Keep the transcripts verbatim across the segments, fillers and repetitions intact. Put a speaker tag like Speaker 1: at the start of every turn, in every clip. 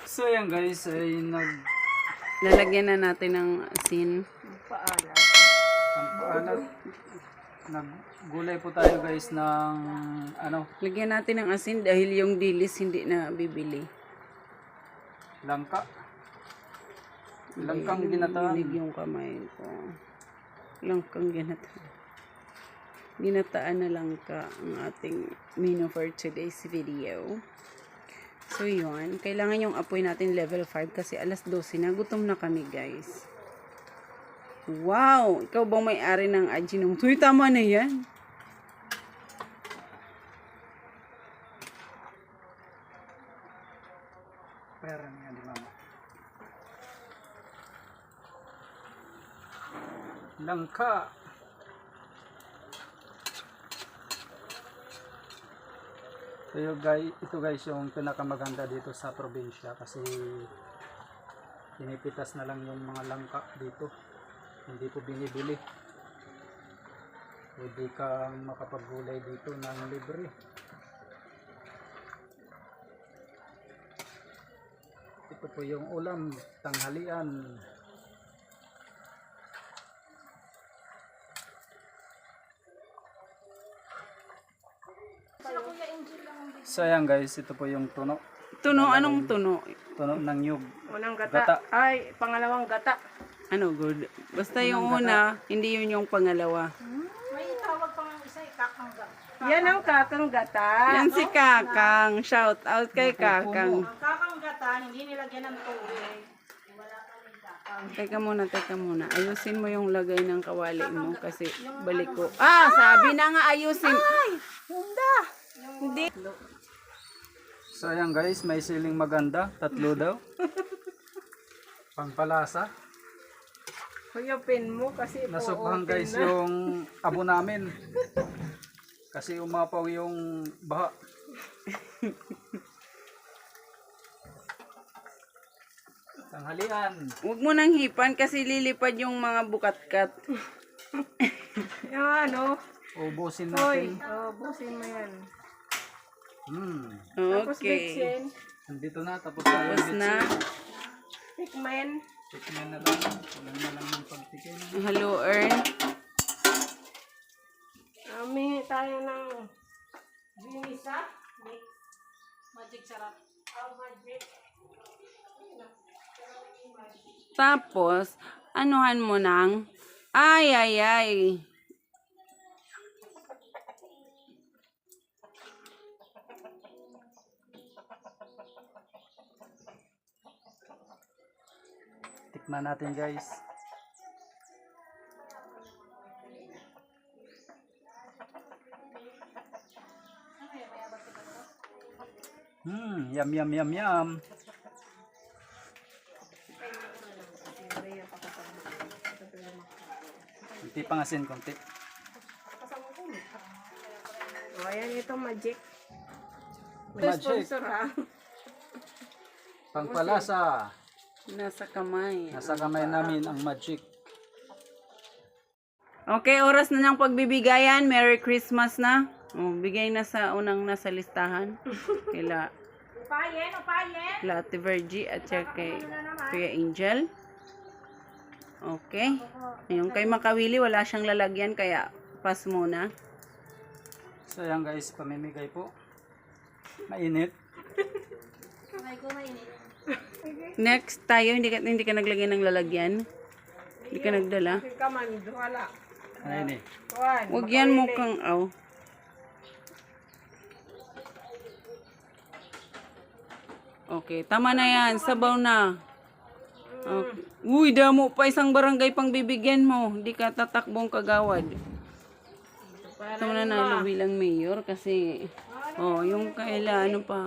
Speaker 1: So yan guys, ay nag
Speaker 2: Lalagyan na natin ng asin.
Speaker 3: Paalat.
Speaker 1: ang paalat. Naggulay po tayo guys ng ano,
Speaker 2: Lagyan natin ng asin dahil yung dilis hindi na bibili.
Speaker 1: langka. Langkang ginataan.
Speaker 2: Binig yung kamay ko. Langkang ginataan. Ginataan na langka ang ating menu for today's video. So yun, kailangan yung apoy natin level five kasi alas dose na. Gutom na kami guys. Wow! Ikaw bang may-ari ng Ajinomoto? Uy, tama na yan.
Speaker 1: Pera niya di mama. Langka. Ito guys, ito guys yung pinakamaganda dito sa probinsya kasi pinipitas na lang yung mga langka dito. Hindi po binibili. Pwede kang makapaggulay dito ng libre. Ito po yung ulam, tanghalian. So ayan guys, ito po yung tuno.
Speaker 2: Tuno, anong tuno?
Speaker 1: Tuno ng nyug.
Speaker 3: Unang gata.
Speaker 1: Gata.
Speaker 3: Ay, pangalawang gata.
Speaker 2: Ano, good? Basta yung una, hindi yun yung pangalawa.
Speaker 4: May tawag pa nga isa, ikakangga.
Speaker 3: Yan ang kakang gata.
Speaker 2: Yan si Kakang. Shout out kay Kakang.
Speaker 4: Ang kakanggata, hindi nilagyan ng tubig. Wala kaming kakang.
Speaker 2: Teka muna, teka muna. Ayusin mo yung lagay ng kawali mo kasi balik ko. Ah, sabi na nga ayusin. Ay,
Speaker 3: Hunda.
Speaker 2: hindi.
Speaker 1: So ayan guys, may siling maganda, tatlo daw. Pangpalasa.
Speaker 3: Huyupin mo kasi
Speaker 1: Nasubhan
Speaker 3: po-open
Speaker 1: guys
Speaker 3: na.
Speaker 1: yung abo namin. Kasi umapaw yung baha. Tanghalian.
Speaker 2: Huwag mo nang hipan kasi lilipad yung mga bukatkat.
Speaker 3: Yung ano.
Speaker 1: Ubusin
Speaker 3: Hoy.
Speaker 1: natin.
Speaker 3: Oh, busin mo yan.
Speaker 1: Hmm.
Speaker 3: Tapos
Speaker 2: Okay.
Speaker 3: bitsin.
Speaker 1: Nandito na, tapos tayo.
Speaker 2: Tapos na.
Speaker 3: Tikman.
Speaker 1: Tikman na lang. Kulang na lang ng pagtikin.
Speaker 2: Hello, Ern.
Speaker 3: Ami tayo ng
Speaker 4: Binisa, mix, magic sarap.
Speaker 3: oh, magic.
Speaker 2: Tapos, anuhan mo ng ay, ay, ay.
Speaker 1: Tikman natin guys. Hmm, yum yum yum yum. Konti pang asin, konti.
Speaker 3: Oh, ayan ito magic. Ito
Speaker 1: Magic.
Speaker 3: sponsor ha.
Speaker 1: Pangpalasa.
Speaker 2: Nasa kamay.
Speaker 1: Nasa kamay namin ang magic.
Speaker 2: Okay, oras na ng pagbibigayan. Merry Christmas na. Oh, bigay na sa unang nasa listahan. Kila
Speaker 4: Upayen, upayen.
Speaker 2: Lati Vergie at saka kay Kuya Angel. Okay. Yung kay Makawili, wala siyang lalagyan kaya pass muna.
Speaker 1: So yan guys, pamimigay po. Mainit.
Speaker 4: Kamay ko mainit.
Speaker 2: Next tayo, hindi ka, hindi ka naglagay ng lalagyan. Hindi ka nagdala.
Speaker 3: Kasi ka man, duhala.
Speaker 1: Ayun eh.
Speaker 3: Kuhan.
Speaker 2: Huwag yan mo kang, aw. Okay, tama na yan. Sabaw na. Okay. Uy, damo pa isang barangay pang bibigyan mo. Hindi ka tatakbong kagawad. Ito na nalo bilang mayor kasi, oh, yung kaila, ano pa.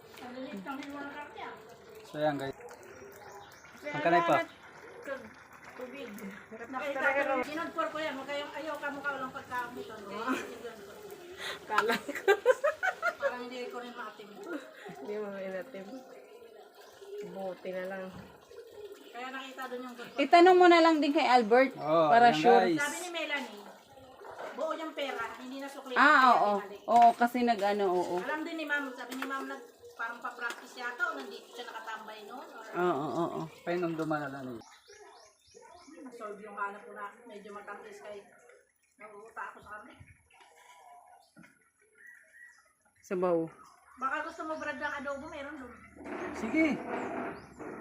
Speaker 1: So yan guys. Ang kanay pa.
Speaker 3: Tubig.
Speaker 4: Sinagpor ko yan, huwag kayong ayaw ka mukha walang pagkamutan.
Speaker 3: Kala ko.
Speaker 4: Parang hindi ko rin maatim.
Speaker 3: Hindi mo inatim. Buti na lang.
Speaker 4: Kaya nakita doon yung good.
Speaker 2: Itanong mo na lang din kay Albert
Speaker 1: Oh,
Speaker 2: para
Speaker 1: yan,
Speaker 2: sure.
Speaker 1: guys.
Speaker 4: Sabi ni Melanie, buo yung pera, hindi na sukli.
Speaker 2: Ah, oo. Oo, kasi nag-ano, oo.
Speaker 4: Alam din ni ma'am, sabi ni ma'am, nag, parang pa-practice yata o nandito siya nakatambay noon. Or
Speaker 2: Oo, oo, oo.
Speaker 1: Painom dumalala niya.
Speaker 4: solve yung hanap ko na medyo matamis kay naguuta ako sa kami.
Speaker 2: Sabaw.
Speaker 4: Baka gusto mo Brad ng adobo, meron doon.
Speaker 1: Sige.